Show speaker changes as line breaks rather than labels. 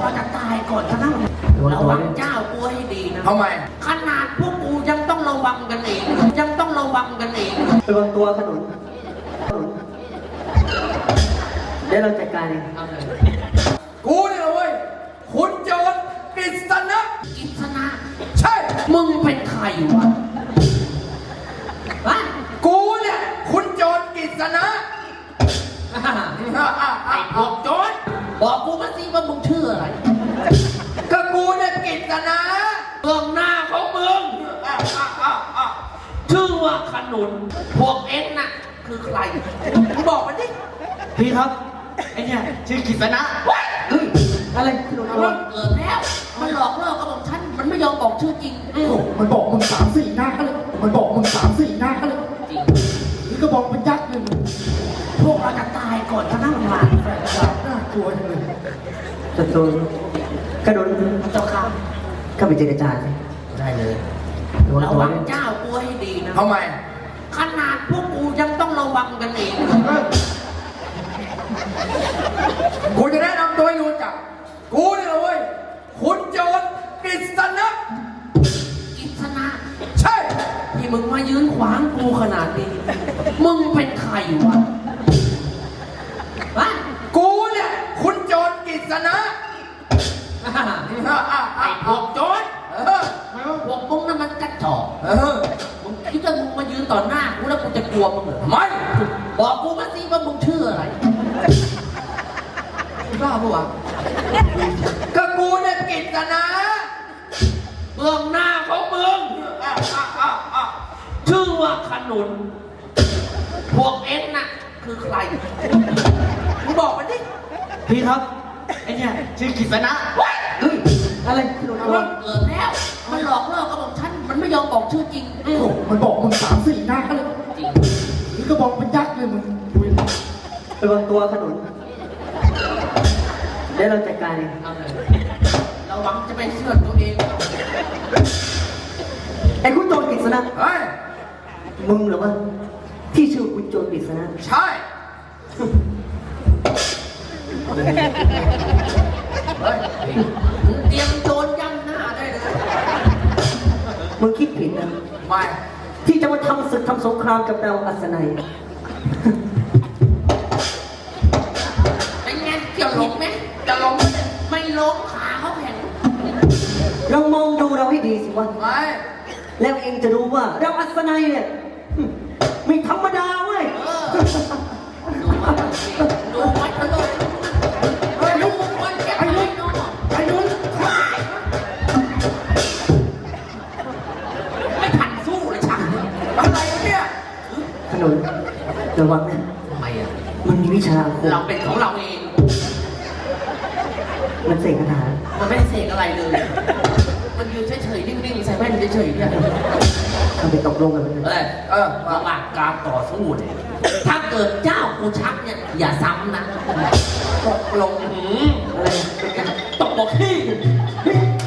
เราจะตายก่อนทั้งนั้นระวังเจ้ากูให้ดีนะ
ทำไม
ขนาดพวกกูยังต้องระวังกันเองยังต้องระวังกันเอง
ระวังตัวขนุนเดี๋ยวเราจัดการเอง
กูเนี่ยเว้ยคุณโจรกฤษณะใช่
มึงเป็นใครวะ
กูเนี่ยคุณโจรกฤษณะ
ไอ้พวกโจรบอกกูมาสิว่ามึงชื่ออะไร
ก็กูเนี่ยกฤษณะ
เบื้องหน้าของมึงชื่อว่าขนุนพวกเอ็งน่ะคือใครมึงบอกมาดิ
พี่ครับไอ้เนี่ยชื่อกฤษณะอะไรขนุนอะไร
เกิดแล้วมันหลอกเลิกกับผมฉันมันไม่ยอมบอกชื่อจริง
มันบอกมึง3-4 หน้าเลยมันบอกมึง3-4 หน้าเลย
จริง
นี่ก็บอกเป็นยักษ์เลย
พวกเราจะตายก่อนทั้งนั้นมา
น่ากลัวจังเลย
จะโดนกระโดน
เจ้าข้า
เข้าไปเจรจา
ได้เลยระวังเจ้ากูให้ดีนะ
ทำไม
ขนาดพวกกูยังต้องระวังกันเอง
กูจะแนะนำตัวให้รู้จักกูเนี่ยเว้ยคุณโจรกฤษณะใช่
ที่มึงมายืนขวางกูขนาดนี้มึงเป็นใครวะ
กูเนี่ยคุณโจรกฤษณะ
ไอ้พวกโจรพวกมึงนั่นมันกระจอกมึงคิดว่ามึงมายืนต่อหน้ากูแล้วกูจะกลัวมึงเหรอ
ไม่
บอกกูมาสิว่ามึงชื่ออะไรบ้าปะวะ
ก็กูเนี่ยกฤษณะ
เบื้องหน้าของมึงชื่อว่าขนุนพวกเอ็งน่ะคือใครมึงบอกมาดิ
พี่ครับไอ้เนี่ยชื่อกฤษณะอะไรขนุนอะไร
เกิดแล้วมันหลอกเลิกกับผมฉันมันไม่ยอมบอกชื่อจริง
มันบอกมึง3-4 หน้าเลย
จริง
นี่ก็บอกเป็นยักษ์เลยมึง
ระวังตัวขนุนเดี๋ยวเราจัดการเอง
เราหวังจะไปเชื่อตัวเอง
ไอ้คุณโจรกฤษณะมึงเหรอวะที่ชื่อคุณโจรกฤษณะ
ใช่
เตรียมโจรย่ำหน้าได้เลย
มึงคิดผิดนะ
ไม่
ที่จะมาทำศึกทำสงครามกับเราอัศนัย
เป็นไงเกี่ยวหลงไหม
จะลง
ไม่ล้มขาเขาแข็ง
เรามองดูเราให้ดีสิวะ
ไม่
แล้วเองจะรู้ว่าเราอัศนัยเนี่ยไม่ธรรมดาเว้ย
ดูไว้เถอะดูคนแก่ไอ้นุ่นไม่ทันสู้เลยช่าง
อะไรเนี่ย
ขนุนระวังนะ
ทำไมอ่ะ
มันมีวิชา
เราเป็นของเราเอง
มันเสกคาถา
มันไม่ได้เสกอะไรเลยมันยืนเฉยๆนิ่งๆใส่แว่นเฉยๆเนี่ย
ทำไปตกลงกันเลย
ระหว่างการต่อสู้เนี่ยถ้าเกิดเจ้ากูชักเนี่ยอย่าซ้ำนะ
ตกลง
อะไรเป็นการ
ตกบอกที่